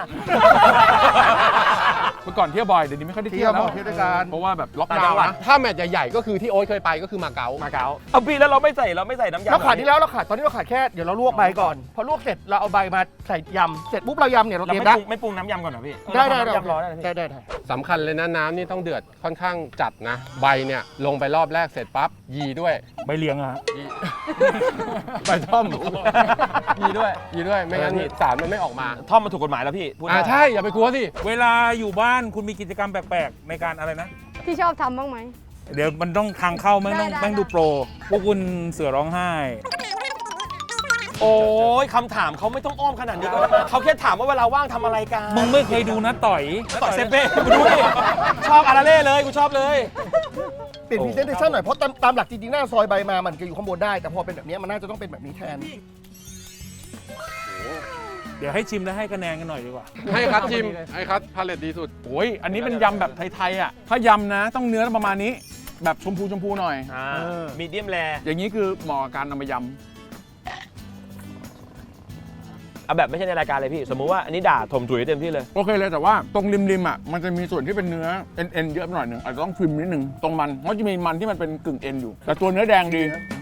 [SPEAKER 5] เมื่อก่อนเที่ยวบ่อยเดี๋ยวนี้ไม่ค่อยได้เที่ยวแล้ว
[SPEAKER 3] เที่ยวด้วยกัน
[SPEAKER 5] เพราะว่าแบบล็อก
[SPEAKER 6] ต่าง
[SPEAKER 5] ดา
[SPEAKER 6] จั
[SPEAKER 5] ว
[SPEAKER 6] งหวัด
[SPEAKER 5] น์นะ
[SPEAKER 1] ถ้าแมตช์ใหญ่ๆก็คือที่โอ๊ตเคยไปก็คือมาเก๊า
[SPEAKER 5] มาเก๊า
[SPEAKER 6] เอาพี่แล้วเราไม่ใส่เราไม่ใส่น้ำยำ
[SPEAKER 3] เราขาดที่แล้วเราขาดตอนนี้เราขาดแค่เดี๋ยวเราลวกใบก่อน พอลวกเสร็จเราเอาใบมาใส่ยำเสร็จปุ๊บเรายำเนี่ยเรา
[SPEAKER 6] เรา
[SPEAKER 3] เตรีย
[SPEAKER 6] ไม่
[SPEAKER 3] ม
[SPEAKER 6] ป
[SPEAKER 3] ได้
[SPEAKER 6] รุงไม่ปรุงน้ำยำก่อนเหรอพี่
[SPEAKER 3] ได้ได้ได้
[SPEAKER 6] น้ำยำร้อนนะพี่
[SPEAKER 3] ได้ได้ได้
[SPEAKER 1] สำคัญเลยนะน้ำนี่ต้องเดือดค่อนข้างจัดนะ ใบเนี่ยลงไปรอบแรกเสร็จปั๊บยีด้วย
[SPEAKER 2] ใบเลี้ยงอะฮะ
[SPEAKER 1] ยี ใบท่อมยีด้วยยีด้วยไม่งั้นสารมันไม่ออกมา
[SPEAKER 6] ท่อมมาถูกกฎหมายแล้วพี่พูด
[SPEAKER 1] อ่า
[SPEAKER 6] ได้
[SPEAKER 1] ใช่อย่าไปกลัวสิ
[SPEAKER 2] เวลาอยู่บ้านคุณมีกิจกรรมแปลกๆในการอะไรนะ
[SPEAKER 8] ที่ชอบทำบ้างไหม
[SPEAKER 2] เดี๋ยวมันต้องทางเข้าแม่งต้อง
[SPEAKER 8] ได้ได้
[SPEAKER 2] แม่งดูโปร พวกคุณเสือร้องไห้
[SPEAKER 6] โอ้ยคำถามเขาไม่ต้องอ้อมขนาดนี้ก็ได้นะเขาแค่ถามว่าเวลาว่างทำอะไรกัน
[SPEAKER 2] มึงไม่เคยดูนะต่อย
[SPEAKER 6] ต่อยเซเป้กูดูดิชอบอาราเล่เลยกูชอบเลย
[SPEAKER 3] เปลี่ยนพรีเซนเทชันหน่อยเพราะตามตามหลักจริงๆหน้าซอยใบมามันจะอยู่ข้างบนได้ แต่พอเป็นแบบนี้มันน่าจะต้องเป็นแบบนี้แทน
[SPEAKER 2] เดี๋ยวให้ชิมแล้วให้คะแนนกันหน่อยดีกว่า
[SPEAKER 1] ให้คัดจิมให้คัดพาเลตดีสุด
[SPEAKER 5] โอ้ยอันนี้เป็นยำแบบไทยๆอ่ะ ถ้ายำนะต้องเนื้อประมาณนี้ แบบชมพูชมพูหน่อย
[SPEAKER 6] อ่ามีเดียมแร
[SPEAKER 5] อย่างนี้คือเหมาะกับการนำมาย
[SPEAKER 6] เอาแบบไม่ใช่ในรายการเลยพี่ สมมุติว่าอันนี้ด่าถมถุยเต็มที่เลย
[SPEAKER 5] โอเคเลยแต่ว่าตรงริมๆอ่ะมันจะมีส่วนที่เป็นเนื้อเอ็นเอ็นเยอะไปหน่อยหนึงอาจจะต้องทริมนิดนึงตรงมันเพราะจะมีมันที่มันเป็นกึ่งเอ็นอยู่ แต่ตัวเนื้อแดงดี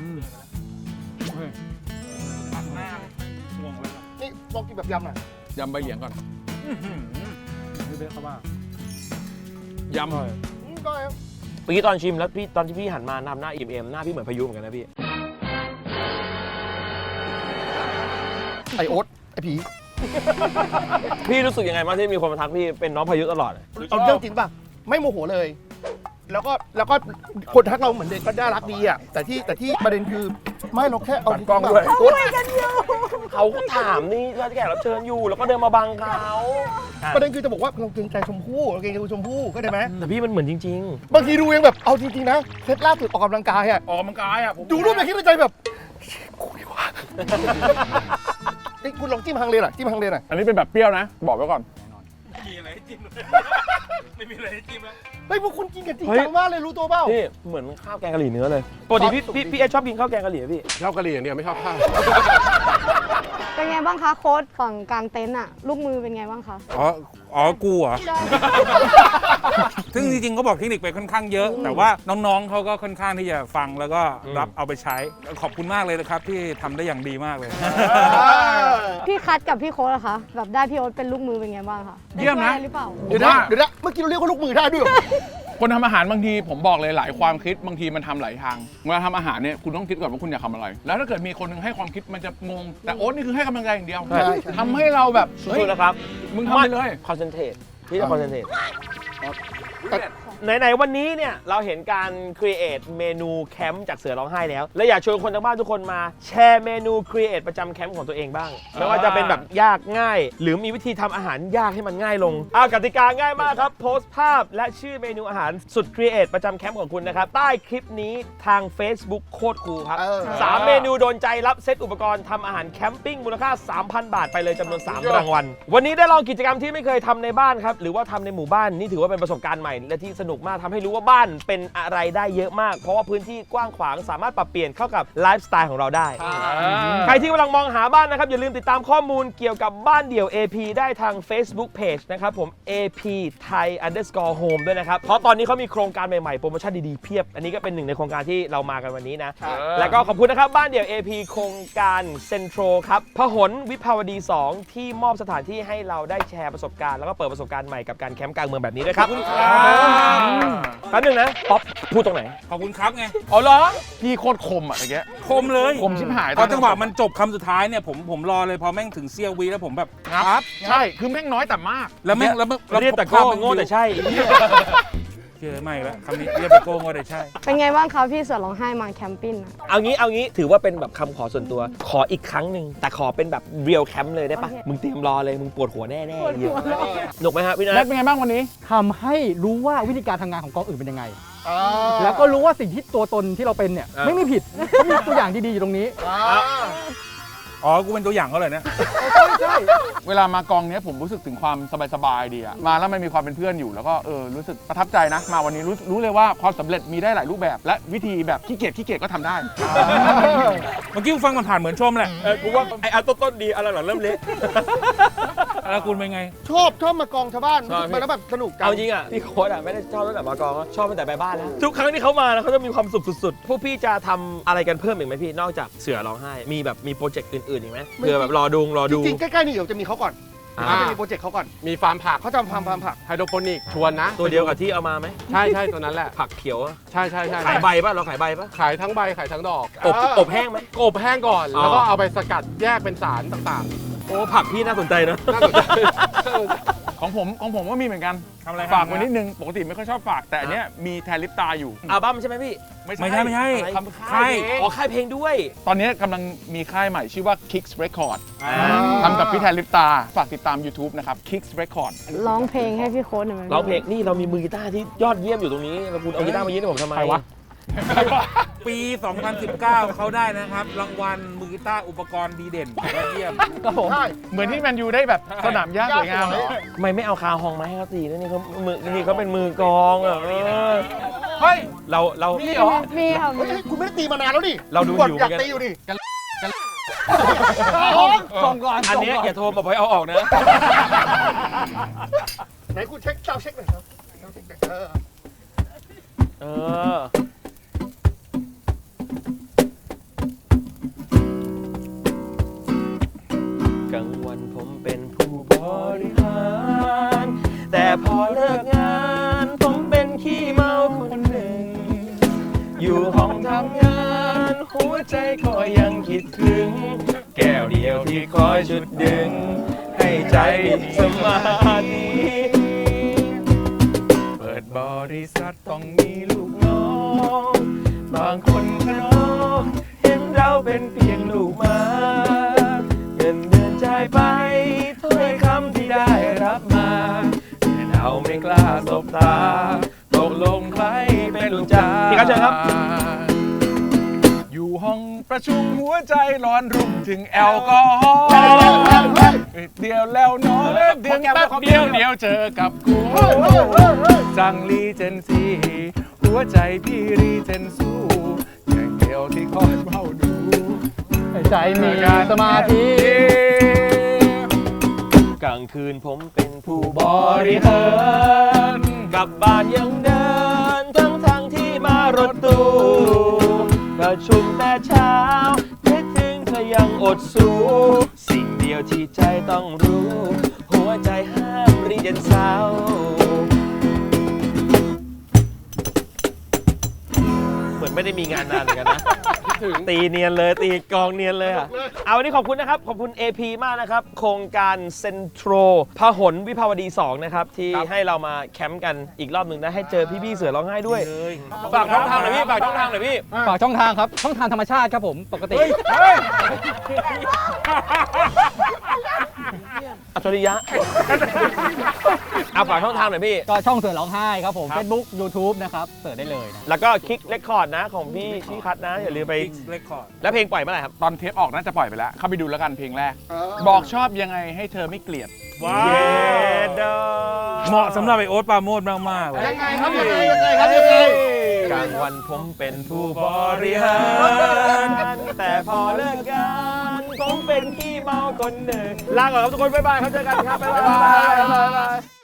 [SPEAKER 3] นี่ลองกินแบบยำหน่อย
[SPEAKER 5] ยำใบเหลียงก่อน
[SPEAKER 2] พี่เบสเขาว่าย
[SPEAKER 5] ำ
[SPEAKER 3] อืมก็ครับ
[SPEAKER 6] เมื่อกี้ตอนชิมแล้วพี่ตอนที่พี่หันมาทำหน้าอิ่มเอมหน้าพี่เหมือนพายุเหมือนกันนะพี่
[SPEAKER 3] ไอโอ๊ตไอผี
[SPEAKER 6] พี่รู้สึกยังไงบ้างที่มีคนมาทักพี่เป็นน้องพายุตลอด
[SPEAKER 3] เอาเรื่องจริงป่ะ ไม่โมโหเลย แล้วก็แล้วก็คนทักเราเหมือนเด็กก็น่ารักดีอ่ะแต่ที่แต่ที่ประเด็นคือไม่เราแค่เอา
[SPEAKER 5] กล้องด้วย
[SPEAKER 3] โอ๊ต
[SPEAKER 6] เขาก็ถามนี่ว่าแขกรับเชิญอยู่แล้วก็เดินมาบังเขาอ่ะ
[SPEAKER 3] ประเด็นคือจะบอกว่าเราเกรงใจชมพู่เราเกรงใจคุณชมพู่เข้าใจไหม
[SPEAKER 6] แต่พี่มันเหมือนจริง
[SPEAKER 3] บางทีดูเองแบบเอาจริงๆนะเซตล่าสุดออกกำลังกายอ่ะ
[SPEAKER 5] ออกกำลังกายอ่ะผม
[SPEAKER 3] ดูรูปแล้วคิดในใจแบบเชี่ยกูดีกว่านี่คุณลองจิ้มฮังเลหน่อยจิ้มฮังเลหน่อย
[SPEAKER 5] อันนี้เป็นแบบเปรี้ยวนะ บอกไว้ก่อน
[SPEAKER 4] มีอะไรให้จิ้มไม่มีอะไรให้จิ้มแล้ว
[SPEAKER 3] เฮ้ยพวกคุณกินกันจริงจังมากเลยรู้ตัวเปล่า
[SPEAKER 6] ๆพี่เหมือนข้าวแกงกะหรี่เนื้อเลยปกติพี่พี่พี่เอชอบกินข้าวแกงกะหรี่ไหมพี่
[SPEAKER 1] ชอบกะหรี่อย่างเดียวไม่ชอบข้าว
[SPEAKER 8] เป็นไงบ้างคะโค้ชฝั่งกลางเต็นท์อะลูกมือเป็นไงบ้างคะ
[SPEAKER 4] อ๋อ อ๋อ กูเหรอ ซึ่งจริงๆก็บอกเทคนิคไปค่อนข้างเยอะ แต่ว่าน้องๆเขาก็ค่อนข้างที่จะฟังแล้วก็รับเอาไปใช้ ขอบคุณมากเลยนะครับที่ทำได้อย่างดีมากเลย
[SPEAKER 8] พี่คัทกับพี่โค้ชอะคะแบบได้พี่โอ๊ตเป็นลูกมือเป็นไงบ้างคะ
[SPEAKER 5] เยี่ยมนะ
[SPEAKER 8] ได้ช่วหรือเปล่า
[SPEAKER 3] เดี๋ยวนะเดี๋ยวนะเมื่อกี้เราเรียกว่าลูกมือได้ด้วยเหรอ
[SPEAKER 5] คนทำอาหารบางทีผมบอกเลยหลายความคิดบางทีมันทำหลายทางเวลาทำอาหารเนี่ยคุณต้องคิดก่อนว่าคุณอยากทำอะไร แล้วถ้าเกิดมีคนหนึงให้ความคิดมันจะงงแต่โอ๊ตนี่คือให้กำลังใจอย่างเดียว
[SPEAKER 3] ใช่ใช่
[SPEAKER 5] ทำให้เราแบบเฮ้ย
[SPEAKER 6] สู้ๆนะครับ
[SPEAKER 5] มึงทำไปเลย
[SPEAKER 6] คอนเซนเทรตพี่จะคอนเซนเทรตไหนๆวันนี้เนี่ยเราเห็นการครีเอทเมนูแคมป์จากเสือร้องไห้แล้ว และอยากชวนคนทางบ้านทุกคนมาแชร์เมนูครีเอทประจำแคมป์ของตัวเองบ้าง ไม่ว่าจะเป็นแบบยากง่าย หรือมีวิธีทำอาหารยากให้มันง่ายลงอ้าวกติกาง่ายมากครับ โพสต์ภาพและชื่อเมนูอาหารสุดครีเอทประจำแคมป์ของคุณนะครับใต้คลิปนี้ทาง Facebook โคตรคูลครับ
[SPEAKER 3] เออ
[SPEAKER 6] สามเมนูโดนใจรับเซตอุปกรณ์ทำอาหารแคมปิ้งมูลค่า สามพัน บาทไปเลยจำนวนสามรางวัลวันนี้ได้ลองกิจกรรมที่ไม่เคยทำในบ้านครับหรือว่าทำในหมู่บ้านนี่ถือว่าเป็นประสบการณ์ใหม่และที่สนุกมากทำให้รู้ว่าบ้านเป็นอะไรได้เยอะมาก เพราะว่าพื้นที่กว้างขวางสามารถปรับเปลี่ยนเข้ากับไลฟ์สไตล์ของเราได้ ใครที่กำลังมองหาบ้านนะครับ อย่าลืมติดตามข้อมูลเกี่ยวกับบ้านเดี่ยว เอ พี ได้ทาง Facebook Page นะครับผม เอ พี Thai underscore home ด้วยนะครับ เพราะตอนนี้เขามีโครงการใหม่ๆ โปรโมชั่นดีๆ เพียบ อันนี้ก็เป็นหนึ่งในโครงการที่เรามากันวันนี้นะ แล้วก็ขอบคุณนะครับบ้านเดี่ยว เอ พี โครงการเซ็นทรัลครับพหลวิภาวดี สอง ที่มอบสถานที่ให้เราได้แชร์ประสบการณ์แล้วก็เปิดประสบการณ์ใหม่กับการแคมป์กลางเมืองแบบนี้ด้วยครับแป๊บนึงนะป๊อปพูดตรงไหน
[SPEAKER 4] ขอบคุณครับไง
[SPEAKER 5] อ๋อเหรอพี่โคตรคมอ่ะตะเกีย
[SPEAKER 4] คมเลย
[SPEAKER 5] คมชิบหาย
[SPEAKER 4] พอจังหวะมันจบคำสุดท้ายเนี่ยผมผมรอเลยพอแม่งถึงเซียววีแล้วผมแบบ
[SPEAKER 5] ครับใช่คือแม่งน้อยแต่มาก
[SPEAKER 4] แล้วแม่งแล้วแม่งแล้ว
[SPEAKER 6] เรียกแต่โก้โง่แต่ใช่
[SPEAKER 4] เชื่อไม่แล้วคำนี้เรียกแต่โก้โง่แต่ใช่
[SPEAKER 8] เป็นไงบ้างคะพี่เสือร้องไห้มาแคมปิ้งอะ
[SPEAKER 6] เอางี้เอางี้ถือว่าเป็นแบบคำขอส่วนตัว ขออีกครั้งหนึ่งแต่ขอเป็นแบบเรียลแคมป์เลยได้ปะ
[SPEAKER 8] โอเค
[SPEAKER 6] มึงเตรียมรอเลยมึงปวดหัวแน่ๆเหี้ยหนุกไหมฮะพี่นั
[SPEAKER 7] แล้
[SPEAKER 6] ท
[SPEAKER 7] เป็นไงบ้างวันนี้ทำให้รู้ว่าวิธีการทำงานของกองอื่นเป็นยังไง แล้วก็รู้ว่าสิ่งที่ตัวตนที่เราเป็นเนี่ยไม่มีผิดเพราะมีตัวอย่างดีๆอยู่ตรงนี้
[SPEAKER 4] อ๋อ กูเป็นตัวอย่างเขาเลยนะ
[SPEAKER 5] เวลามากองเนี้ยผมรู้สึกถึงความสบายๆดีอะมาแล้วมันมีความเป็นเพื่อนอยู่แล้วก็เออรู้สึกประทับใจนะ มาวันนี้รู้รู้เลยว่าความสำเร็จมีได้หลายรูปแบบ และวิธีแบบขี้เกียจขี้เกียจก็ทำได้
[SPEAKER 4] เมื่อกี้กูฟังมันผ่านเหมือนชมแหละ
[SPEAKER 6] เออกูว่าไอ้อันต้นๆดีอันหลังๆเริ่มเละ
[SPEAKER 4] แล้วคุณเป็นไง
[SPEAKER 3] ชอบชอบมากองชาวบ้าน
[SPEAKER 6] ชอบพี่
[SPEAKER 3] มันแล้วแบบสนุกกัน
[SPEAKER 6] เอาจริงอ่ะพี่โค้ดอ่ะไม่ได้ชอบตั้งแต่มากองอะชอบตั้งแต่ไปบ้านแล้วทุกครั้งที่เขามานะเขาจะมีความสุขสุดๆพวกพี่จะทำอะไรกันเพิ่มอีกไหมพี่นอกจากเสือร้องไห้มีแบบมีโปรเจกต์อื่นๆอีกไหมเผื่อแบบรอดูรอ
[SPEAKER 3] จ
[SPEAKER 6] ดู
[SPEAKER 3] ริงๆใกล้ๆนี่เดี๋ยวจะมีเขาก่อน
[SPEAKER 6] อ่า
[SPEAKER 3] เขาจะมีโปรเจกต์เขาก่อน
[SPEAKER 1] มีฟาร์มผัก
[SPEAKER 3] เขาทำฟาร์มฟาร์มผัก
[SPEAKER 1] ไฮโดรโปนิกชวนนะ
[SPEAKER 6] ตัวเดียวกับที่เอามาไหม
[SPEAKER 1] ใช่ใช่ตัวนั้นแหละ
[SPEAKER 6] ผักเขียวอะ
[SPEAKER 1] ใช่ใช่ใช่
[SPEAKER 6] ขายใบป่ะเราขายใบป่ะ
[SPEAKER 1] ขายทั้งใบขายทั้งดอก
[SPEAKER 6] อบอบแห้งไหม
[SPEAKER 1] อบแห้งก่อน
[SPEAKER 6] อ๋อ
[SPEAKER 1] แล้วก็เอาไปสกัดแยกเป็นสารต่าง
[SPEAKER 6] โอ้ผักพี่น่าสนใจนะ
[SPEAKER 1] ๆน่าสนใจ
[SPEAKER 5] ของผมของผมก็มีเหมือนกัน
[SPEAKER 4] ทำอะไร
[SPEAKER 5] ฝากไว้นิดนึงปกติไม่ค่อยชอบฝาก แต่อันเนี้ยมีแทนลิปตาอยู่
[SPEAKER 6] อัลบั้มใช่ไหมพี่
[SPEAKER 4] ไม่ใช่ไม่ใช่
[SPEAKER 5] ทำค่า
[SPEAKER 4] ค่าย ย
[SPEAKER 5] เพลง
[SPEAKER 6] อ๋อค่ายเพลงด้วย
[SPEAKER 5] ตอนนี้กำลังมีค่ายใหม่ชื่อว่า Kicks Record ทำกับพี่แทนลิปตา ฝากติดตาม YouTube นะครับ Kicks Record
[SPEAKER 8] ร้องเพลงให้พี่โค้ชหน่อยไหม
[SPEAKER 6] ร้องเพลงนี่เรามีมือกีตาร์ที่ยอดเยี่ยมอยู่ตรงนี้แล้วคุณเอากีตาร์มายื่นให้ผมทำไม
[SPEAKER 5] ใครวะ
[SPEAKER 4] ปี สองพันสิบเก้า เขาได้นะครับ รางวัลมือกีตาร์อุปกรณ์ดีเด่นยอดเยี่ยม
[SPEAKER 5] ครับผม
[SPEAKER 3] ใช่
[SPEAKER 5] เหมือนที่แมนยูได้แบบสนามหญ้าสวยงาม
[SPEAKER 6] ทำไมไม่เอาคาฮองมาให้เขาตีนะนี่เขามือนี่เขาเป็นมือกลองอ่ะเออ
[SPEAKER 5] เฮ้ย
[SPEAKER 6] เราเรา
[SPEAKER 5] นี่เหรอ
[SPEAKER 8] มีค่ะ
[SPEAKER 3] เฮ้ย
[SPEAKER 8] มี
[SPEAKER 3] คุณไม่ได้ตีมานานแล้วนี่
[SPEAKER 6] เราดู
[SPEAKER 3] คุณ
[SPEAKER 6] อยู่
[SPEAKER 3] อยาก
[SPEAKER 6] เหมือนกัน
[SPEAKER 3] ตีอยู่นี่
[SPEAKER 7] ส่งก่อน
[SPEAKER 6] อันเนี้ยอย่าโทรมาบอกให้เอาออกนะ
[SPEAKER 3] ไหนคุณเช็คเจ้าเช็คหน่อยครับเจ้าเช็คหน่อยเออ
[SPEAKER 6] เออ กลางวันผมเป็นผู้บริหาร แต่พอเลิกงานผมเป็นขี้เมาคนหนึ่ง อยู่ห้องทำงานหัวใจก็ยังคิดถึง แก้วเดียวที่คอยจุดดึง ให้ใจสมาธิเปิดบริษัทต้องมีลูกน้อง บางคนขนองเห็นเราเป็นเพียงลูกหมาเงินเดือนจ่ายไปถ้อยคำที่ได้รับมาแต่เราไม่กล้าสบตาตกลงใครเป็นลูกจ้าพี่ครับเชิญครับ
[SPEAKER 5] อยู่ห้องประชุมหัวใจร้อนรุ่มถึงแอลกอฮอล์เดียวแล้วเนอนเดียวแป๊บเดียวเดียวเจอกับกูสั่งรีเจนซีหัวใจพี่รีเจนสู้อย่างเดียวที่คอยเฝ้าดู
[SPEAKER 7] ใจมีสมาธิ
[SPEAKER 6] กลางคืนผมเป็นผู้บริหารกลับบ้านยังเดินทั้งทางที่มารถตู้ประชุมแต่เช้าคิดถึงเธอยังอดสู้สิ่งเดียวที่ใจต้องรู้ หัวใจห้ามรีเจนเศร้าเหมือนไม่ได้มีงานนานเหมือนกันนะ ตีเนียนเลยตีกองเนียนเลยอ่ะ เอาวันนี้ขอบคุณนะครับ ขอบคุณ เอ พี มากนะครับ โครงการเซ็นทรัลพหลวิภาวดี สอง นะครับ ที่ให้เรามาแคมป์กันอีกรอบหนึ่งนะให้เจอพี่ๆเสือร้องไห้ด้วย ฝากช่องทางหน่อยพี่ ฝากช่องทางหน่อยพี่
[SPEAKER 7] ฝากช่องทางครับ ช่องทางธรรมชาติครับผมปกติ
[SPEAKER 6] อัจฉริยะ เอาฝากช่องทางหน่อยพี่
[SPEAKER 7] ก็ช่องเสือร้องไห้ครับผม Facebook YouTube นะครับเสิร์ชได้เลยนะ
[SPEAKER 6] แล้วก็คลิกเรคคอร์ดนะของพี่พี่คัทนะ อย่าลืมไป
[SPEAKER 4] เรคคอร์ด
[SPEAKER 6] แล้วเพลงปล่อยเมื่อไหร่ครับ
[SPEAKER 5] ตอนเทปออกน่าจะปล่อยไปแล้ว เข้าไปดูแล้วกันเพลงแรก บอกชอบยังไงให้เธอไม่เกลียด
[SPEAKER 4] ว้า
[SPEAKER 6] เย้
[SPEAKER 4] ว
[SPEAKER 6] ดอ
[SPEAKER 4] เหมาะสำหรับไอโอ๊ตปราโมชมากๆเลย
[SPEAKER 3] ยังไงครับยังไงยังไงครับยังไง
[SPEAKER 6] กลางวันผมเป็นผู้บริหาร แต่พอเลิกงานผมเป็นขี้เมาคนหนึ่งลาก่อนครับทุกคน บ๊ายบายครับ เจอกันครับ บ๊ายบาย